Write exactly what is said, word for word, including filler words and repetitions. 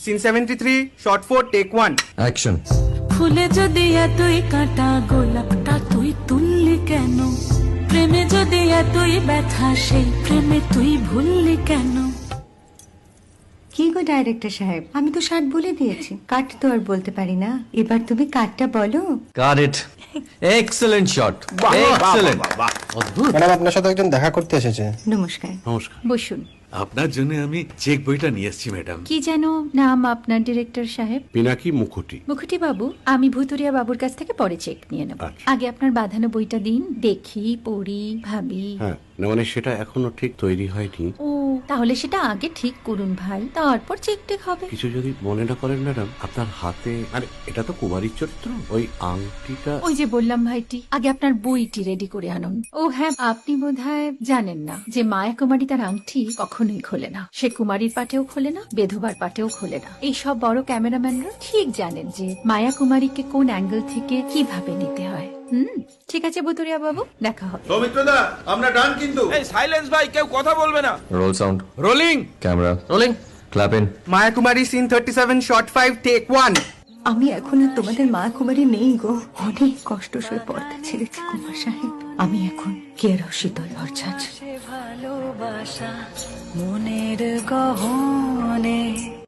Scene seventy three shot four take one. Action. ফুলে যদি এতই কাঁটা গোলাপটা তুই তুললি কেন? প্রেমে যদি এতই ব্যথা সেই প্রেমে তুই ভুললি কেন? কি গো ডাইরেক্টর সাহেব, আমি তো ষাট বলে দিয়েছি, কাট তো আর বলতে পারি না, এবার তুমি কাটটা বলো। Got it. Excellent shot, excellent. অদ্ভুত। ম্যাডাম আপনার সাথে একজন দেখা করতে এসেছে। নমস্কার। নমস্কার। বসুন। আপনার জন্য আমি চেক বইটা নিয়ে এসেছি ম্যাডাম। কি যেন নাম আপনার ডিরেক্টর সাহেব? পিনাকি মুখোটি। মুখুটি বাবু, আমি ভুতুরিয়া বাবুর কাছ থেকে পরে চেক নিয়ে নেব। আচ্ছা। আগে আপনার বাঁধানো বইটা দিন, দেখি, পড়ি, ভাবি। হ্যাঁ, না মানে সেটা এখনো ঠিক তৈরি হয়নি। ও, তাহলে সেটা আগে ঠিক করুন ভাই, তারপর চেক টেক হবে। কিছু যদি মনে না করেন ম্যাডাম, আপনার হাতে, আরে এটা তো কুমারীর চরিত্র, ওই আংটিটা। ওই যে বললাম ভাইটি, আগে আপনার বইটি রেডি করে আনুন। ও হ্যাঁ, আপনি বোধহয় জানেন না যে মায়া কুমারী তার আংটি কখনোই খোলে না। সে কুমারীর পাটেও খোলে না, বেধবার পাটেও খোলে না। এই সব বড় ক্যামেরাম্যানরা ঠিক জানেন যে মায়া কুমারীকে কোন অ্যাঙ্গেল থেকে কিভাবে নিতে হয়। হুম, ঠিক আছে ভুতুরিয়া বাবু, দেখা হবে। সৌমিত্রদা, আমরা ডান কিন্তু। এই সাইলেন্স ভাই, কেউ কথা বলবে না। Roll sound. Rolling. Camera rolling. Clap in. Maya Kumari scene thirty seven shot five take one. আমি এখন আর তোমাদের মা কুমারী নেই গো, অনেক কষ্ট সয়ে পর্দা ছেড়েছি কুমার সাহেব। আমি এখন কেরও শীতল ভরছাছ। ভালোবাসা মনের গহনে